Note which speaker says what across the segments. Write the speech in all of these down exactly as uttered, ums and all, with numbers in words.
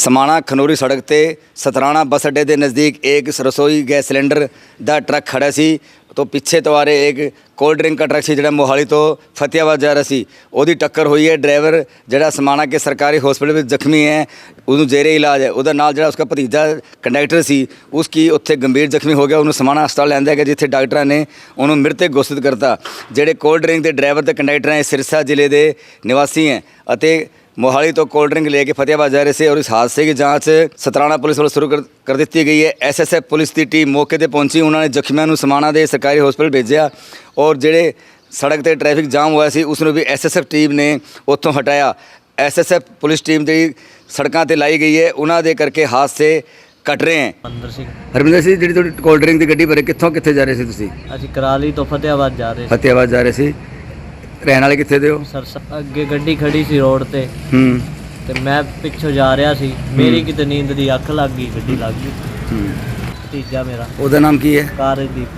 Speaker 1: समाणा खनौरी सड़क ते सतराना बस अड्डे के नज़दीक एक रसोई गैस सिलेंडर का ट्रक खड़ा सी तो पिछे तो आ रहे एक कोल्ड ड्रिंक का ट्रक सी जिहड़ा मोहाली तो फतेहाबाद जा रहा सी उहदी टक्कर हुई है। ड्राइवर जिहड़ा समाणा के सरकारी हॉस्पिटल में जख्मी है उन्होंने जेरे इलाज है। उहदा नाल जिहड़ा उसका भतीजा कंडक्टर सी उसकी उत्थे गंभीर जख्मी हो गया। उन्होंने समाणा हस्पताल लैंदा गया जिथे डॉक्टर ने उन्होंने मृतक घोषित करता। जिहड़े कोल्ड ड्रिंक के ड्राइवर ते कंडक्टर हैं सिरसा जिले के निवासी हैं अते मोहाली तो कोल्ड ड्रिंक लेके फतेहाबाद जा रहे थे और इस हादसे की जांच सतराना पुलिस वालों शुरू कर कर दी गई है। एस एस एफ पुलिस की टीम मौके पर पहुंची, उन्होंने जख्मियों को समाणा के सरकारी हॉस्पिटल भेजा और जिहड़े सड़क पर ट्रैफिक जाम हुआ सी उसनों भी एस एस एफ टीम ने उत्थों हटाया। S S F police team जी सड़कों पर लाई गई है, उन्होंने करके हादसे घट रहे हैं। हरमिंदर सिंह जी थोड़ी कोल्ड ड्रिंक की गड्डी भरे कितों कितने जा रहे थे?
Speaker 2: ਅਸੀਂ कराली तो फतेहाबाद जा रहे
Speaker 1: फतेहाबाद जा रहे थे। रहने वाले कितने दे हो?
Speaker 2: सर ਅੱਗੇ ਗੱਡੀ ਖੜੀ ਸੀ ਰੋਡ ਤੇ
Speaker 1: ਹੂੰ
Speaker 2: ਤੇ ਮੈਂ ਪਿੱਛੋਂ ਜਾ ਰਿਹਾ ਸੀ। ਮੇਰੀ ਕਿਤੇ ਨੀਂਦ ਦੀ ਅੱਖ ਲੱਗ ਗਈ, ਗੱਡੀ ਲੱਗ ਗਈ।
Speaker 1: ਹੂੰ
Speaker 2: ਤੀਜਾ ਮੇਰਾ
Speaker 1: ਉਹਦਾ ਨਾਮ ਕੀ ਹੈ?
Speaker 2: ਕਾਰਦੀਪ।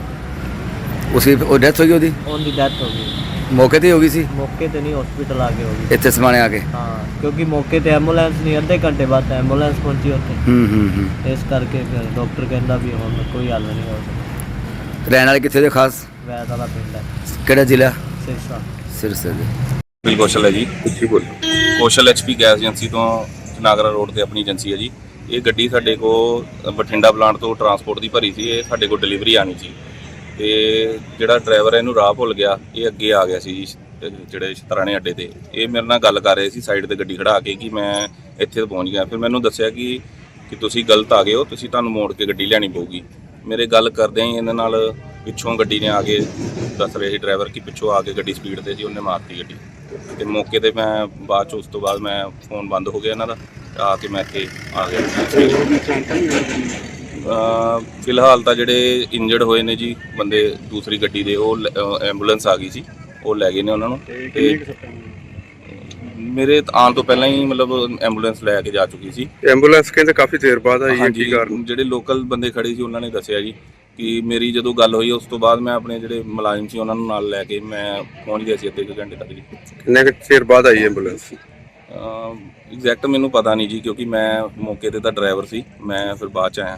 Speaker 1: ਉਸकी ਉਹ ਡੈਥ ਹੋਈ ਉਹਦੀ
Speaker 2: ਉਹਦੀ ਡੈਥ ਹੋ ਗਈ
Speaker 1: ਮੌਕੇ ਤੇ ਹੋ ਗਈ ਸੀ?
Speaker 2: ਮੌਕੇ ਤੇ ਨਹੀਂ, ਹਸਪੀਟਲ ਆ ਕੇ ਹੋ ਗਈ
Speaker 1: ਇੱਥੇ ਸਮਾਣੇ ਆ ਕੇ?
Speaker 2: ਹਾਂ, ਕਿਉਂਕਿ ਮੌਕੇ ਤੇ ਐਂਬੂਲੈਂਸ ਨਹੀਂ, ਅੱਧੇ ਘੰਟੇ ਬਾਅਦ ਐਂਬੂਲੈਂਸ ਪਹੁੰਚੀ ਉੱਥੇ।
Speaker 1: ਹੂੰ ਹੂੰ ਹੂੰ
Speaker 2: ਇਸ ਕਰਕੇ ਫਿਰ ਡਾਕਟਰ ਕਹਿੰਦਾ ਵੀ ਹੁਣ ਕੋਈ ਹੱਲ ਨਹੀਂ ਹੋ ਸਕਦਾ।
Speaker 1: ਰਹਿਣ ਵਾਲੇ ਕਿੱਥੇ ਦੇ ਖਾਸ?
Speaker 2: ਵੈਦ ਵਾਲਾ ਪਿੰਡ ਹੈ।
Speaker 1: ਕਿਹੜਾ ਜ਼ਿਲ੍ਹਾ?
Speaker 2: ਸਿਰਸਾ।
Speaker 1: ਸਿਰਸਾ ਦੇ।
Speaker 3: ਬਿਲ ਕੌਸ਼ਲ ਹੈ ਜੀ। ਉੱਚੀ ਬੋਲ। Kaushal H P gas agency ਤੋਂ ਨਾਗਰਾ ਰੋਡ ਤੇ ਆਪਣੀ ਏਜੰਸੀ ਹੈ ਜੀ। ਇਹ ਗੱਡੀ ਸਾਡੇ ਕੋਲ ਬਠਿੰਡਾ ਪਲਾਂਟ ਤੋਂ ਟਰਾਂਸਪੋਰਟ ਦੀ ਭਰੀ ਸੀ, ਇਹ ਸਾਡੇ ਕੋਲ ਡਿਲੀਵਰੀ ਆਣੀ ਸੀ ਤੇ ਜਿਹੜਾ ਡਰਾਈਵਰ ਹੈ ਇਹਨੂੰ ਰਾਹ ਭੁੱਲ ਗਿਆ, ਇਹ ਅੱਗੇ ਆ ਗਿਆ ਸੀ ਜੀ ਜਿਹੜੇ ਸਤਰਾਣੇ ਅੱਡੇ ਤੇ। ਇਹ ਮੇਰੇ ਨਾਲ ਗੱਲ ਕਰ ਰਹੇ ਸੀ ਸਾਈਡ ਤੇ ਗੱਡੀ ਖੜਾ ਕੇ ਕਿ ਮੈਂ ਇੱਥੇ ਪਹੁੰਚ ਗਿਆ। ਫਿਰ ਮੈਨੂੰ ਦੱਸਿਆ ਕਿ ਕਿ ਤੁਸੀਂ ਗਲਤ ਆ ਗਏ ਹੋ, ਤੁਸੀਂ ਤੁਹਾਨੂੰ ਮੋੜ ਕੇ ਗੱਡੀ ਲੈਣੀ ਪਊਗੀ। ਮੇਰੇ ਗੱਲ ਕਰਦਿਆਂ ਹੀ ਇਹਨਾਂ ਨਾਲ ਪਿੱਛੋਂ ਗੱਡੀ ਨੇ ਆ ਕੇ ਦੱਸ ਰਹੇ ਸੀ ਡਰਾਈਵਰ ਕਿ ਪਿੱਛੋਂ ਆ ਕੇ ਗੱਡੀ ਸਪੀਡ ਤੇ ਸੀ, ਉਹਨੇ ਮਾਰਤੀ ਗੱਡੀ ਤੇ ਮੌਕੇ ਤੇ ਮੈਂ ਬਾਅਦ 'ਚ ਉਸ ਤੋਂ ਬਾਅਦ ਮੈਂ ਫੋਨ ਬੰਦ ਹੋ ਗਿਆ ਇਹਨਾਂ ਦਾ ਆ ਕੇ ਮੈਂ ਇੱਥੇ ਆ ਗਿਆ। ਫਿਲਹਾਲ ਤਾਂ ਜਿਹੜੇ ਇੰਜਰਡ ਹੋਏ ਨੇ ਜੀ ਬੰਦੇ ਦੂਸਰੀ ਗੱਡੀ ਦੇ, ਉਹ ਐਂਬੂਲੈਂਸ ਆ ਗਈ ਸੀ, ਉਹ ਲੈ ਗਏ ਨੇ ਉਹਨਾਂ ਨੂੰ। ਤੇ ਮੇਰੇ ਆਉਣ ਤੋਂ ਪਹਿਲਾਂ ਹੀ ਮਤਲਬ ਐਂਬੂਲੈਂਸ ਲੈ ਕੇ ਜਾ ਚੁੱਕੀ ਸੀ।
Speaker 4: ਐਂਬੂਲੈਂਸ ਕਹਿੰਦੇ ਕਾਫੀ ਦੇਰ ਬਾਅਦ ਆਈ ਹੈ, ਕੀ ਕਾਰਨ?
Speaker 3: ਜਿਹੜੇ ਲੋਕਲ ਬੰਦੇ ਖੜੇ ਸੀ ਉਹਨਾਂ ਨੇ ਦੱਸਿਆ ਜੀ ਕਿ ਮੇਰੀ ਜਦੋਂ ਗੱਲ ਹੋਈ ਉਸ ਤੋਂ ਬਾਅਦ ਮੈਂ ਆਪਣੇ ਜਿਹੜੇ ਮੁਲਾਜ਼ਮ ਸੀ ਉਹਨਾਂ ਨੂੰ ਨਾਲ ਲੈ ਕੇ ਮੈਂ ਪਹੁੰਚ ਗਿਆ ਸੀ ਅੱਧੇ ਕੁ ਘੰਟੇ ਤੱਕ ਜੀ।
Speaker 4: ਕਿੰਨੇ ਕੁ ਚਿਰ ਬਾਅਦ ਆਈ ਐਂਬੂਲੈਂਸ?
Speaker 3: ਐਗਜ਼ੈਕਟ ਮੈਨੂੰ ਪਤਾ ਨਹੀਂ ਜੀ ਕਿਉਂਕਿ ਮੈਂ ਮੌਕੇ ਤੇ ਤਾਂ ਡਰਾਈਵਰ ਸੀ, ਮੈਂ ਫਿਰ ਬਾਅਦ 'ਚ ਆਇਆ।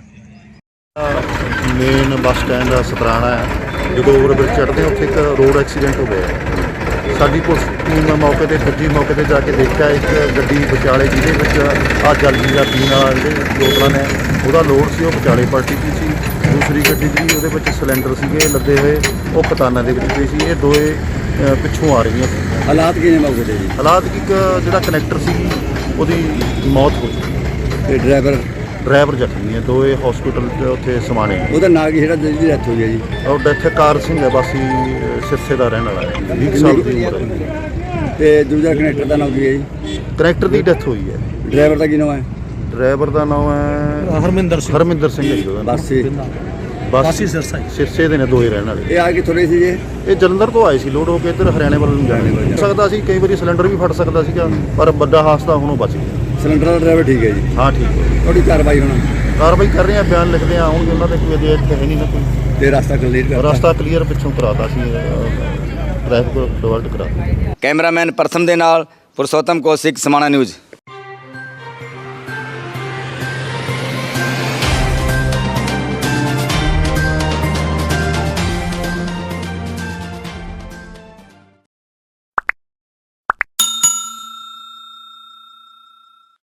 Speaker 5: ਮੇਨ ਬੱਸ ਸਟੈਂਡ ਸਤਰਾਣਾ ਹੈ, ਜਦੋਂ ਓਵਰਬ੍ਰਿਜ ਚੜ੍ਹਦੇ ਉੱਥੇ ਇੱਕ ਰੋਡ ਐਕਸੀਡੈਂਟ ਹੋ ਗਿਆ। ਸਾਡੀ ਪੁਲਿਸ ਟੀਮ ਮੌਕੇ 'ਤੇ ਪੁੱਜੀ, ਮੌਕੇ 'ਤੇ ਜਾ ਕੇ ਦੇਖਿਆ ਇੱਕ ਗੱਡੀ ਵਿਚਾਲੇ ਜਿਹਦੇ ਵਿੱਚ ਆਹ ਜਲਦੀ ਦਾ ਪੀਣ ਵਾਲਾ ਜਿਹੜੇ ਬੋਤਲਾਂ ਨੇ ਉਹਦਾ ਲੋਡ ਸੀ, ਉਹ ਵਿਚਾਲੇ ਪਲਟੀ ਗਈ ਸੀ। ਦੂਸਰੀ ਗੱਡੀ ਜਿਹੜੀ ਉਹਦੇ ਵਿੱਚ ਸਿਲੰਡਰ ਸੀਗੇ ਲੱਦੇ ਹੋਏ, ਉਹ ਖਤਾਨਾਂ ਦੇ ਵਿੱਚ ਪਈ ਸੀ। ਇਹ ਦੋਏ ਪਿੱਛੋਂ ਆ ਰਹੀਆਂ ਸੀ।
Speaker 1: ਹਾਲਾਤ ਕਿਵੇਂ ਮੌਕੇ ਤੇ ਜੀ?
Speaker 5: ਹਾਲਾਤ ਇੱਕ ਜਿਹੜਾ ਕਨੈਕਟਰ ਸੀ ਉਹਦੀ ਮੌਤ ਹੋ ਗਈ
Speaker 1: ਤੇ ਡਰਾਈਵਰ
Speaker 5: ਡਰਾਈਵਰ ਜ਼ਖਮੀ ਹੈ। ਦੋਏ ਹਸਪੀਟਲ 'ਚ ਉੱਥੇ ਸਮਾਣੇ।
Speaker 1: ਉਹਦਾ ਨਾਂ ਕੀ ਜਿਹੜਾ ਜਿਹਦੀ ਡੈਥ ਹੋਈ ਹੈ ਜੀ?
Speaker 5: ਉਹ ਡੈਥ ਕਾਰ ਸਿੰਘ ਹੈ, ਬਾਸੀ ਸਿਰਸੇ ਦਾ ਰਹਿਣ ਵਾਲਾ ਹੈ, ਵੀਹ ਸਾਲ ਦੀ ਉਮਰ ਹੈ।
Speaker 1: ਤੇ ਦੂਜਾ ਕਨੈਕਟਰ ਦਾ ਨਾਮ ਕੀ ਹੈ ਜੀ?
Speaker 5: ਕਨੈਕਟਰ ਦੀ ਡੈਥ ਹੋਈ ਹੈ।
Speaker 1: ਡਰਾਈਵਰ ਦਾ ਕੀ ਨਾਮ ਹੈ?
Speaker 5: ਡਰਾਈਵਰ ਦਾ ਨਾਮ ਹੈ
Speaker 2: ਹਰਮਿੰਦਰ ਸਿੰਘ।
Speaker 5: ਹਰਮਿੰਦਰ ਸਿੰਘ ਹੈ ਜੀ ਉਹਦਾ ਨਾਮ।
Speaker 1: ਬਾਸੀ
Speaker 5: ਬਾਸੀ ਸਿਰਸਾ ਸਿਰਸੇ ਦੇ ਨੇ ਦੋਏ ਰਹਿਣ ਵਾਲੇ।
Speaker 1: ਇਹ ਆ ਕਿੱਥੋਂ ਰਹੇ ਸੀ ਜੀ?
Speaker 5: ਇਹ ਜਲੰਧਰ ਤੋਂ ਆਏ ਸੀ ਲੋਡ ਹੋ ਕੇ ਇੱਧਰ ਹਰਿਆਣੇ ਵੱਲ ਨੂੰ ਜਾਣੇ ਹੋ ਸਕਦਾ ਸੀ, ਕਈ ਵਾਰੀ ਸਿਲੰਡਰ ਵੀ ਫਟ ਸਕਦਾ ਸੀਗਾ, ਪਰ ਵੱਡਾ ਹਾਦਸਾ ਹੁਣ ਉਹ ਬਚ ਗਿਆ।
Speaker 1: ਸਿਲੰਡਰ ਦਾ ਡਰਾਈਵਰ ਠੀਕ ਹੈ ਜੀ? ਹਾਂ ਠੀਕ ਹੈ। ਤੁਹਾਡੀ ਕਾਰਵਾਈ ਹੁਣ
Speaker 5: ਕਾਰਵਾਈ ਕਰ ਰਹੇ ਆ, ਬਿਆਨ ਲਿਖਦੇ ਆ, ਆਉਣਗੇ ਉਹਨਾਂ ਦੇ ਕੋਈ ਅਜੇ ਇੱਥੇ ਹੈ ਨਹੀਂ ਨਾ ਕੋਈ।
Speaker 1: ਤੇ ਰਸਤਾ ਕਲੀਅਰ ਕਰ
Speaker 5: ਰਸਤਾ ਕਲੀਅਰ ਪਿੱਛੋਂ ਕਰਾਤਾ ਸੀ, ਟ੍ਰੈਫਿਕ ਡਿਵਰਟ ਕਰਾ।
Speaker 1: ਕੈਮਰਾਮੈਨ ਪ੍ਰਥਮ ਦੇ ਨਾਲ ਪੁਰਸ਼ੋਤਮ ਕੌਸ਼ਿਕ, समाणा न्यूज़।